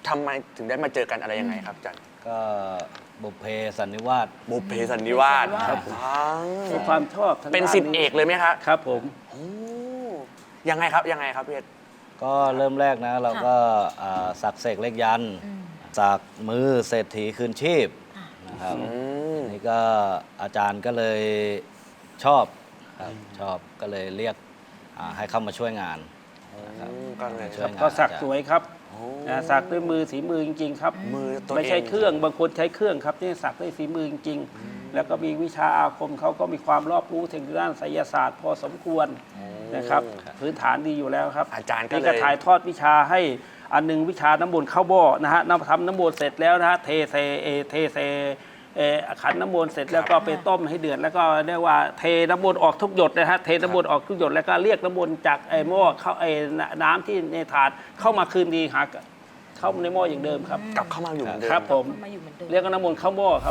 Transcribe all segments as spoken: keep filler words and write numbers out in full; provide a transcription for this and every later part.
ทำไมถึงได้มาเจอกันอะไรยังไงครับอาจารย์ก็บุพเพสันนิวาสบุพเพสันนิวาสครับมีความชอบทางด้านนี้เป็นศิษย์เอกเลยไหมครับครับผมโอ้ยังไงครับยังไงครับพี่เอสก็เริ่มแรกนะเราก็สักเสกเลขยันสักมือเศรษฐีคืนชีพนะครับนี่ก็อาจารย์ก็เลยชอบครับชอบก็เลยเรียกให้เข้ามาช่วยงานก็เลยก็สักสวยครับสักด้วยมือสีมือจริงๆครับมือไม่ใช่เครื่องบางคนใช้เครื่องครับนี่สักด้วยฝีมือจริงๆแล้วก็มีวิชาอาคมเขาก็มีความรอบรู้ทางด้านไสยศาสตร์พอสมควรนะครับพื้นฐานดีอยู่แล้วครับอาจารย์ก็ถ่ายทอดวิชาให้อันนึงวิชาน้ำมนต์เข้าบ่อนะฮะน้ำทำน้ำมนต์เสร็จแล้วนะฮะเทเซเทเซขันน้ำมนต์เสร็จแล้วก็ไปต้มให้เดือดแล้วก็เรียกว่าเทน้ำมนต์ออกทุกหยดนะฮะเทน้ำมนต์ออกทุกหยดแล้วก็เรียกน้ำมนต์จากไอ้หม้อเข้าไอ้น้ำที่ในถาดเข้ามาคืนดีหาเข้าในหม้ออย่างเดิมครับกลับเข้ามาอยู่เหมือนเดิมครับผมเรียกน้ำมนต์เข้าหม้อครับ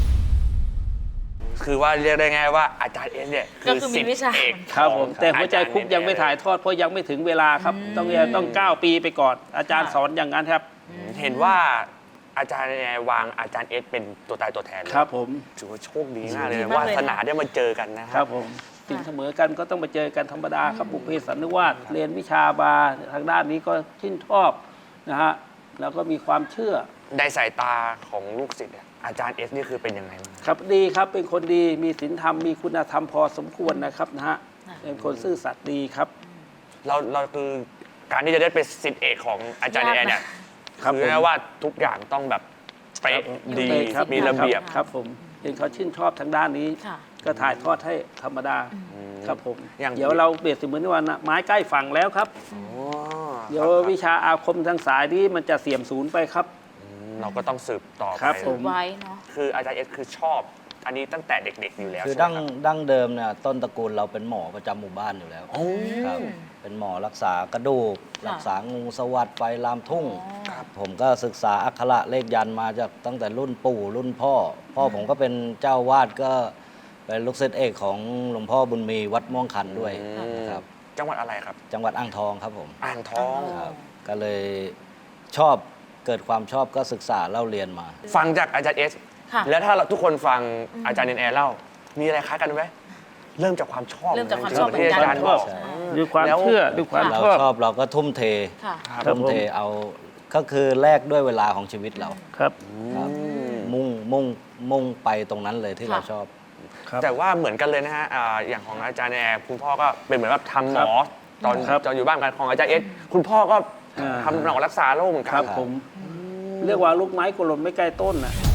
คือว่าเรียกได้ไงว่าอาจารย์เอสเนี่ยคือศิษย์เอกครับผมแต่หัวใจคุกยังไม่ถ่ายทอดเพราะยังไม่ถึงเวลาครับต้องต้องเก้าปีไปก่อนอาจารย์สอนอย่างนั้นครับเห็นว่าอาจารย์วางอาจารย์เอสเป็นตัวตายตัวแทนครับผมถือว่าโชคดีมากเลยวาสนาได้มาเจอกันนะครับครับผมสิ่งเสมอกันก็ต้องมาเจอกันธรรมดาครับบุพเพสันนิวาสเรียนวิชาบาทางด้านนี้ก็ชื่นชอบนะฮะแล้วก็มีความเชื่อในสายตาของลูกศิษย์อาจารย์เอสนี่คือเป็นยังไงบ้างครับดีครับเป็นคนดีมีศีลธรรมมีคุณธรรมพอสมควรนะครับนะฮะเป็นคนซื่อสัตย์ดีครับเราเราคือการที่จะได้เป็นศิษย์เอกของอาจารย์เอเนี่ยคือแม้ว่าทุกอย่างต้องแบบไปดีมีระเบียบครับผมเห็นเขาชื่นชอบทางด้านนี้ก็ถ่ายทอดให้ธรรมดาครับผมเดี๋ยวเราเปรียบเสมือนว่าไม้ใกล้ฝั่งแล้วครับเดี๋ยววิชาอาคมทางสายนี้มันจะเสื่อมสูญไปครับเราก็ต้องสืบต่อไปไว้เนาะคืออาจารย์เอสคือชอบอันนี้ตั้งแต่เด็กๆอยู่แล้วคือดั้งดั้งเดิมเนี่ยต้นตระกูลเราเป็นหมอประจำหมู่บ้านอยู่แล้วครับเป็นหมอรักษากระดูกรักษางูสวัสดไฟลามทุ่งผมก็ศึกษาอักขระเลขยันมาจากตั้งแต่รุ่นปู่รุ่นพ่อพ่อผมก็เป็นเจ้าวาดก็เป็นลูกศิษย์เอกของหลวงพ่อบุญมีวัดม่วงขันด้วยครับจังหวัดอะไรครับจังหวัดอ่างทองครับผมอ่างทองครับก็เลยชอบเกิดความชอบก็ศึกษาเล่าเรียนมาฟังจากอาจารย์เอสแล้วถ้าทุกคนฟังอาจารย์เนนแอร์เล่ามีอะไรคล้ายกันไหมเริ่มจากความชอบเริ่มจากความชอบที่อาจารย์บอกด้วยความเชื่อด้วยความเราชอบเราก็ทุ่มเททุ่มเทเอาก็คือแลกด้วยเวลาของชีวิตเราครับมุ่งมุ่งมุ่งไปตรงนั้นเลยที่เราชอบแต่ว่าเหมือนกันเลยนะฮะอย่างของอาจารย์แอร์คุณพ่อก็เป็นเหมือนแบบทำหมอตอนตอนอยู่บ้านกันของอาจารย์เอสคุณพ่อก็ทำหมอรักษาโรคเหมือนกันครับผมเรียกว่าลูกไม้กลมไม่ใกล้ต้นนะ